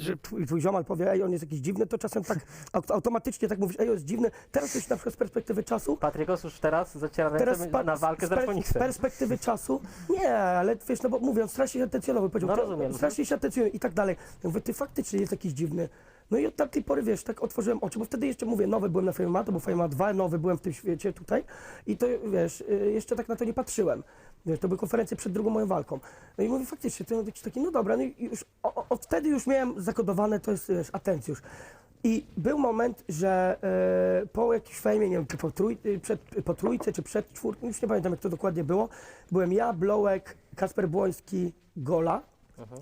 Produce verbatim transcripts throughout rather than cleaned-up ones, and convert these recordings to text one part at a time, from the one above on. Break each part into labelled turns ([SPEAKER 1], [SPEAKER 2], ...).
[SPEAKER 1] że twój, twój ziomal powie, ej, on jest jakiś dziwny, to czasem tak aut- automatycznie tak mówisz, ej, on jest dziwny. Teraz już na przykład z perspektywy czasu,
[SPEAKER 2] Patryk już teraz zaciera
[SPEAKER 1] teraz
[SPEAKER 2] ręce
[SPEAKER 1] pa-
[SPEAKER 2] na walkę z
[SPEAKER 1] z, per- z
[SPEAKER 2] Arfoniksem.
[SPEAKER 1] perspektywy czasu, nie, ale wiesz, no bo mówię, on strasznie się atencjonował, powiedział,
[SPEAKER 2] No
[SPEAKER 1] to-
[SPEAKER 2] rozumiem.
[SPEAKER 1] strasznie się atencjonuje i tak dalej. Ja mówię, ty faktycznie jest jakiś dziwny. No i od tamtej pory, wiesz, tak otworzyłem oczy, bo wtedy jeszcze, mówię, nowy byłem na Fame M M A, to był Fame M M A dwa, nowy byłem w tym świecie tutaj i to, wiesz, y, jeszcze tak na to nie patrzyłem. Wiesz, to były konferencje przed drugą moją walką. No i mówię, faktycznie, to jakiś taki, no dobra, no i już o, o, od wtedy już miałem zakodowane, to jest, wiesz, atencjusz. I był moment, że e, po jakimś fejmie, nie wiem, czy po, trój, przed, po trójce, czy przed czwórką, już nie pamiętam, jak to dokładnie było, byłem ja, Blołek, Kasper Błoński, Gola.
[SPEAKER 2] Mhm.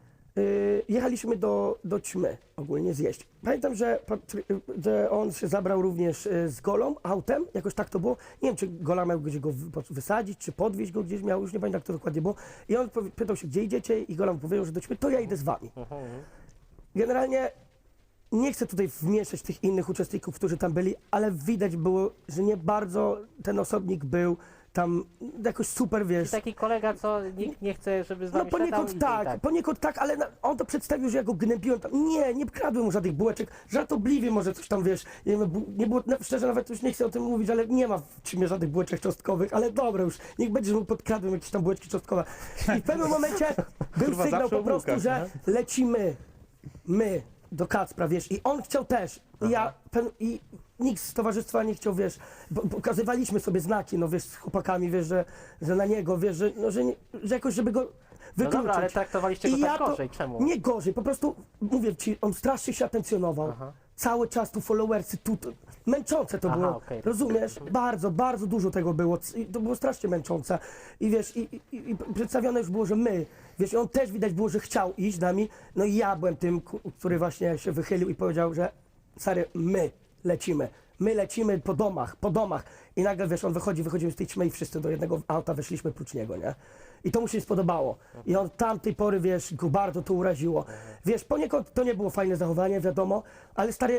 [SPEAKER 1] Y, jechaliśmy do, do Ćmy ogólnie zjeść. Pamiętam, że, Patry- że on się zabrał również y, z Golą, autem, jakoś tak to było. Nie wiem, czy Gola miał gdzieś go wy- po- wysadzić, czy podwieźć go gdzieś miał, już nie pamiętam, jak to dokładnie było. I on powie- pytał się, gdzie idziecie i Gola mu powiedział, że do Ćmy, to ja idę z wami.
[SPEAKER 2] Mhm, mhm.
[SPEAKER 1] Generalnie nie chcę tutaj wmieszać tych innych uczestników, którzy tam byli, ale widać było, że nie bardzo ten osobnik był tam jakoś super, wiesz.
[SPEAKER 2] Taki kolega, co nikt nie chce, żeby z
[SPEAKER 1] No
[SPEAKER 2] wami siadał
[SPEAKER 1] poniekąd
[SPEAKER 2] i- i
[SPEAKER 1] tak, poniekąd tak, ale na, on to przedstawił, że ja go gnębiłem tam. Nie, nie kradłem mu żadnych bułeczek, żartobliwie może coś tam, wiesz, nie, wiem, bu- nie było, no, szczerze nawet już nie chcę o tym mówić, ale nie ma w czymie żadnych bułeczek cząstkowych, ale dobra już, niech będzie, że mu podkradłem jakieś tam bułeczki cząstkowe. I w pewnym momencie był
[SPEAKER 3] Kurwa,
[SPEAKER 1] sygnał
[SPEAKER 3] zawsze
[SPEAKER 1] po
[SPEAKER 3] o
[SPEAKER 1] prostu,
[SPEAKER 3] bułkach,
[SPEAKER 1] że lecimy, my, do Kacpra, wiesz, i on chciał też, i ja, pen, i nikt z towarzystwa nie chciał, wiesz, bo, pokazywaliśmy sobie znaki, no wiesz, z chłopakami, wiesz, że, że na niego, wiesz, że, no, że, nie, że jakoś, żeby go
[SPEAKER 2] No
[SPEAKER 1] wykluczyć.
[SPEAKER 2] dobra, ale traktowaliście go
[SPEAKER 1] I
[SPEAKER 2] tak
[SPEAKER 1] ja to-
[SPEAKER 2] gorzej, czemu?
[SPEAKER 1] Nie gorzej, po prostu, mówię ci, on strasznie się atencjonował.
[SPEAKER 2] Aha.
[SPEAKER 1] Cały czas tu followersy, tu, tu męczące to
[SPEAKER 2] Aha,
[SPEAKER 1] było,
[SPEAKER 2] okej.
[SPEAKER 1] rozumiesz? Bardzo, bardzo dużo tego było, C- i to było strasznie męczące. I wiesz, i, i, i przedstawione już było, że my, wiesz, i on też widać było, że chciał iść z nami, no i ja byłem tym, ku- który właśnie się wychylił i powiedział, że stary, my lecimy. My lecimy po domach, po domach. I nagle, wiesz, on wychodzi, wychodzimy z tej ćmy i wszyscy do jednego auta weszliśmy prócz niego, nie? I to mu się nie spodobało. I on tamtej pory, wiesz, go bardzo to uraziło. Wiesz, poniekąd to nie było fajne zachowanie, wiadomo, ale stary,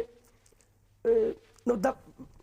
[SPEAKER 1] yy, no da,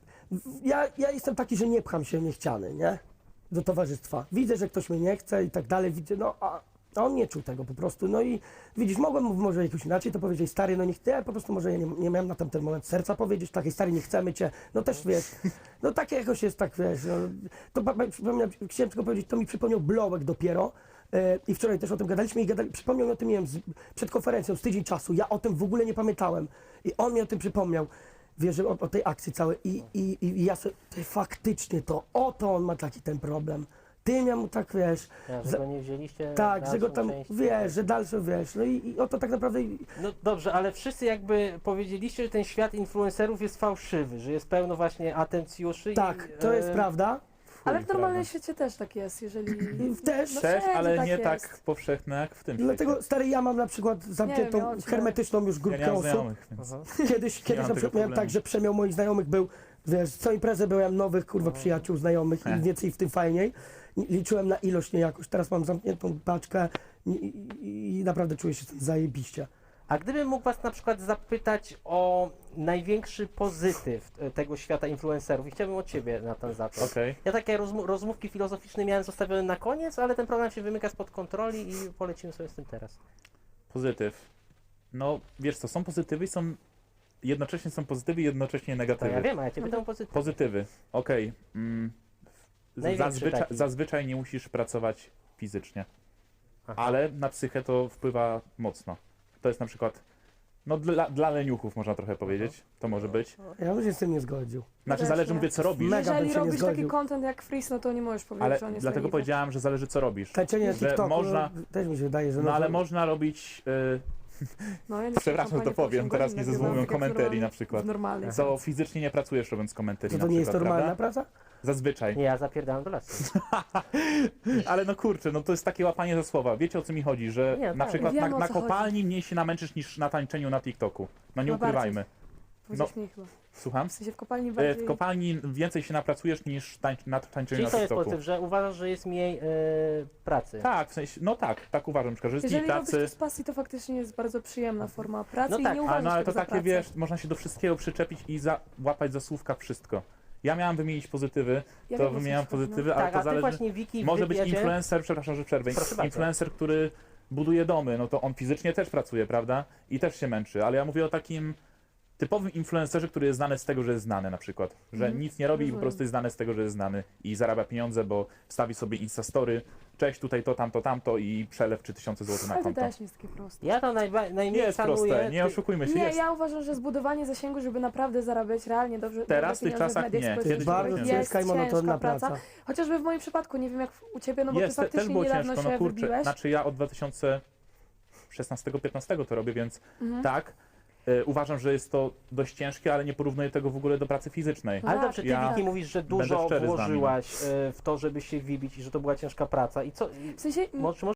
[SPEAKER 1] ja, ja jestem taki, że nie pcham się niechciany, nie? Do towarzystwa. Widzę, że ktoś mnie nie chce i tak dalej, widzę, no a a on nie czuł tego po prostu, no i widzisz, mogłem mu może jakoś inaczej to powiedzieć, stary, no nie chcę, ja po prostu może ja nie, nie miałem na tamten moment serca powiedzieć, takiej stary, nie chcemy cię, no też wiesz, no takie jakoś jest tak, wiesz, no, to pa- pa- przypomniał, chciałem tylko powiedzieć, to mi przypomniał Blołek dopiero e, i wczoraj też o tym gadaliśmy i gadali, przypomniał mi o tym, nie wiem, z, przed konferencją, z tydzień czasu, ja o tym w ogóle nie pamiętałem i on mi o tym przypomniał, wiesz, że o, o tej akcji całej i, i, i ja sobie, ty, faktycznie to, oto on ma taki ten problem. Tym ja mu tak, wiesz,
[SPEAKER 2] Ja, że
[SPEAKER 1] za-
[SPEAKER 2] go nie wzięliście
[SPEAKER 1] tak,
[SPEAKER 2] na
[SPEAKER 1] że go
[SPEAKER 2] dalszą
[SPEAKER 1] tam,
[SPEAKER 2] część.
[SPEAKER 1] wiesz, że dalsze, wiesz, no i, i o to tak naprawdę,
[SPEAKER 2] No dobrze, ale wszyscy jakby powiedzieliście, że ten świat influencerów jest fałszywy, że jest pełno właśnie atencjuszy.
[SPEAKER 1] tak,
[SPEAKER 2] i,
[SPEAKER 1] to jest
[SPEAKER 2] e,
[SPEAKER 1] prawda,
[SPEAKER 4] Ale w
[SPEAKER 3] Chuj,
[SPEAKER 4] normalnym
[SPEAKER 3] prawda.
[SPEAKER 4] świecie też tak jest, jeżeli...
[SPEAKER 1] I też,
[SPEAKER 4] No
[SPEAKER 3] Też,
[SPEAKER 4] wszędzie
[SPEAKER 3] ale
[SPEAKER 4] tak
[SPEAKER 3] nie
[SPEAKER 4] jest.
[SPEAKER 3] tak powszechne jak w tym
[SPEAKER 1] dlatego,
[SPEAKER 3] świecie.
[SPEAKER 1] stary, ja mam na przykład zamkniętą,
[SPEAKER 4] ja o czym-
[SPEAKER 1] hermetyczną już
[SPEAKER 3] Ja
[SPEAKER 1] grupkę
[SPEAKER 3] nie mam
[SPEAKER 1] osób,
[SPEAKER 3] znajomych, więc...
[SPEAKER 2] Aha.
[SPEAKER 1] kiedyś, kiedyś
[SPEAKER 3] mam
[SPEAKER 1] na
[SPEAKER 3] tego
[SPEAKER 1] przykład miałem
[SPEAKER 3] problemu.
[SPEAKER 1] tak, że przemiał moich znajomych był, wiesz, co imprezę byłem nowych, kurwa, przyjaciół, znajomych i
[SPEAKER 3] He.
[SPEAKER 1] więcej w tym fajniej, liczyłem na ilość, nie jakoś, teraz mam zamkniętą paczkę i, i, i naprawdę czuję się z tym zajebiście.
[SPEAKER 2] A gdybym mógł was na przykład zapytać o największy pozytyw e, tego świata influencerów i chciałbym od ciebie na ten zacząć.
[SPEAKER 3] Okej.
[SPEAKER 2] Ja takie rozmu- rozmówki filozoficzne miałem zostawione na koniec, ale ten program się wymyka spod kontroli i polecimy sobie z tym teraz.
[SPEAKER 3] Pozytyw. No, wiesz co, są pozytywy i są... Jednocześnie są pozytywy i jednocześnie
[SPEAKER 2] To
[SPEAKER 3] negatywy.
[SPEAKER 2] ja wiem, a ja cię pytam o pozytyw.
[SPEAKER 3] Pozytywy. Okej. Mm,
[SPEAKER 2] Największy
[SPEAKER 3] zazwyczaj,
[SPEAKER 2] taki.
[SPEAKER 3] zazwyczaj nie musisz pracować fizycznie,
[SPEAKER 2] Aha.
[SPEAKER 3] ale na psychę to wpływa mocno. To jest na przykład, no dla, dla leniuchów można trochę powiedzieć, to może być.
[SPEAKER 1] Ja bym się z tym nie zgodził.
[SPEAKER 3] Znaczy
[SPEAKER 4] też
[SPEAKER 3] zależy,
[SPEAKER 4] nie.
[SPEAKER 3] mówię, co robisz,
[SPEAKER 1] Mega bym
[SPEAKER 4] Jeżeli
[SPEAKER 1] się nie
[SPEAKER 4] robisz taki
[SPEAKER 1] zgodził.
[SPEAKER 4] content jak Freeze, no to nie możesz powiedzieć,
[SPEAKER 3] ale
[SPEAKER 4] że on jest
[SPEAKER 3] dlatego
[SPEAKER 4] leniwy.
[SPEAKER 3] powiedziałem, że zależy, co robisz.
[SPEAKER 1] Tańczenie na
[SPEAKER 3] Że
[SPEAKER 1] TikToku,
[SPEAKER 3] można-
[SPEAKER 1] no, też mi się wydaje, że...
[SPEAKER 3] No ale
[SPEAKER 1] to-
[SPEAKER 3] można robić, y,
[SPEAKER 4] No, ja nie
[SPEAKER 3] przepraszam, że to
[SPEAKER 4] kampanię po
[SPEAKER 3] powiem,
[SPEAKER 4] osiem
[SPEAKER 3] teraz
[SPEAKER 4] godzin
[SPEAKER 3] nie
[SPEAKER 4] nagrywam,
[SPEAKER 3] zezwumują
[SPEAKER 4] tak jak
[SPEAKER 3] komentarii
[SPEAKER 4] normalnie-
[SPEAKER 3] na przykład.
[SPEAKER 4] W normalnej
[SPEAKER 3] co fizycznie nie pracujesz robiąc komentarii
[SPEAKER 1] To
[SPEAKER 3] na
[SPEAKER 1] to nie jest
[SPEAKER 3] przykład,
[SPEAKER 1] normalna
[SPEAKER 3] prawda?
[SPEAKER 1] praca?
[SPEAKER 3] Zazwyczaj.
[SPEAKER 2] Nie, ja zapierdalam do lasu.
[SPEAKER 3] Ale no kurczę, no to jest takie łapanie za słowa. Wiecie, o co mi chodzi, że
[SPEAKER 2] Nie,
[SPEAKER 3] na
[SPEAKER 2] tak.
[SPEAKER 3] przykład na,
[SPEAKER 4] Wiem, o
[SPEAKER 3] na
[SPEAKER 4] co chodzi.
[SPEAKER 3] kopalni mniej się namęczysz niż na tańczeniu na TikToku. No nie
[SPEAKER 4] No bardziej.
[SPEAKER 3] ukrywajmy.
[SPEAKER 4] Powiedziałeś mi chyba.
[SPEAKER 3] Słucham?
[SPEAKER 4] W sensie w kopalni
[SPEAKER 3] E,
[SPEAKER 4] bardziej...
[SPEAKER 3] W kopalni więcej się napracujesz niż tań, na tańczeniu
[SPEAKER 2] Czyli
[SPEAKER 3] na
[SPEAKER 2] to jest
[SPEAKER 3] TikToku.
[SPEAKER 2] pozytyw, że uważasz, że jest mniej e, pracy.
[SPEAKER 3] Tak, w sensie, no tak, tak uważam, na przykład, że jest
[SPEAKER 4] Jeżeli
[SPEAKER 3] mniej
[SPEAKER 4] robisz
[SPEAKER 3] pracy.
[SPEAKER 4] to z pasji, to faktycznie jest bardzo przyjemna forma pracy
[SPEAKER 2] No
[SPEAKER 4] i
[SPEAKER 2] tak,
[SPEAKER 4] nie
[SPEAKER 3] Ale,
[SPEAKER 4] uważasz
[SPEAKER 3] no, ale
[SPEAKER 4] tego
[SPEAKER 3] to
[SPEAKER 4] za
[SPEAKER 3] takie,
[SPEAKER 4] pracę.
[SPEAKER 3] wiesz, można się do wszystkiego przyczepić i za, łapać za słówka wszystko. Ja miałem wymienić pozytywy,
[SPEAKER 4] Ja
[SPEAKER 3] to
[SPEAKER 4] wiem, o co
[SPEAKER 3] wymieniam
[SPEAKER 4] ci chodzi, no.
[SPEAKER 3] pozytywy, ale
[SPEAKER 2] Tak,
[SPEAKER 3] to
[SPEAKER 2] a ty
[SPEAKER 3] zależy.
[SPEAKER 2] właśnie Wiki w
[SPEAKER 3] Może być
[SPEAKER 2] wywiadzie-
[SPEAKER 3] influencer, przepraszam, że przerwę,
[SPEAKER 2] Proszę bardzo.
[SPEAKER 3] influencer, który buduje domy, no to on fizycznie też pracuje, prawda? I też się męczy, ale ja mówię o takim typowym influencerze, który jest znany z tego, że jest znany na przykład, że
[SPEAKER 4] Mhm.
[SPEAKER 3] nic nie robi i po
[SPEAKER 4] Rozumiem.
[SPEAKER 3] prostu jest znany z tego, że jest znany i zarabia pieniądze, bo wstawi sobie Instastory, cześć, tutaj to, tamto, tamto i przelew trzy tysiące złotych na
[SPEAKER 4] Ale to
[SPEAKER 3] konto.
[SPEAKER 4] też nie jest takie proste.
[SPEAKER 2] Ja to najba- najmniej
[SPEAKER 3] Nie jest
[SPEAKER 2] szanuję.
[SPEAKER 3] proste, nie
[SPEAKER 2] ty-
[SPEAKER 3] oszukujmy się,
[SPEAKER 4] Nie,
[SPEAKER 3] jest.
[SPEAKER 4] ja uważam, że zbudowanie zasięgu, żeby naprawdę zarabiać realnie dobrze
[SPEAKER 3] Teraz,
[SPEAKER 4] dobre
[SPEAKER 3] w tych
[SPEAKER 4] pieniądze
[SPEAKER 3] czasach
[SPEAKER 4] w mediach
[SPEAKER 3] nie.
[SPEAKER 4] społecznościowych,
[SPEAKER 3] Kiedyś
[SPEAKER 1] Bardzo
[SPEAKER 3] było
[SPEAKER 4] jest
[SPEAKER 1] ciężka i monotonna
[SPEAKER 4] ciężka praca.
[SPEAKER 1] praca.
[SPEAKER 4] Chociażby w moim przypadku, nie wiem jak u ciebie, no bo
[SPEAKER 3] Jest,
[SPEAKER 4] ty
[SPEAKER 3] te, też
[SPEAKER 4] faktycznie
[SPEAKER 3] było
[SPEAKER 4] niedawno
[SPEAKER 3] ciężko,
[SPEAKER 4] się
[SPEAKER 3] no kurczę,
[SPEAKER 4] wybiłeś.
[SPEAKER 3] znaczy ja od dwa tysiące szesnastego piętnastego to robię, więc
[SPEAKER 4] Mhm.
[SPEAKER 3] tak, y, uważam, że jest to dość ciężkie, ale nie porównuję tego w ogóle do pracy fizycznej.
[SPEAKER 4] No
[SPEAKER 2] Ale
[SPEAKER 4] tak,
[SPEAKER 2] dobrze, ty
[SPEAKER 3] ja
[SPEAKER 2] Wiki mówisz, że
[SPEAKER 3] będę
[SPEAKER 2] dużo
[SPEAKER 3] szczery z wami, no.
[SPEAKER 2] włożyłaś e, w to, żeby się wybić i że to była ciężka praca. I co? i
[SPEAKER 4] W sensie,
[SPEAKER 2] Może,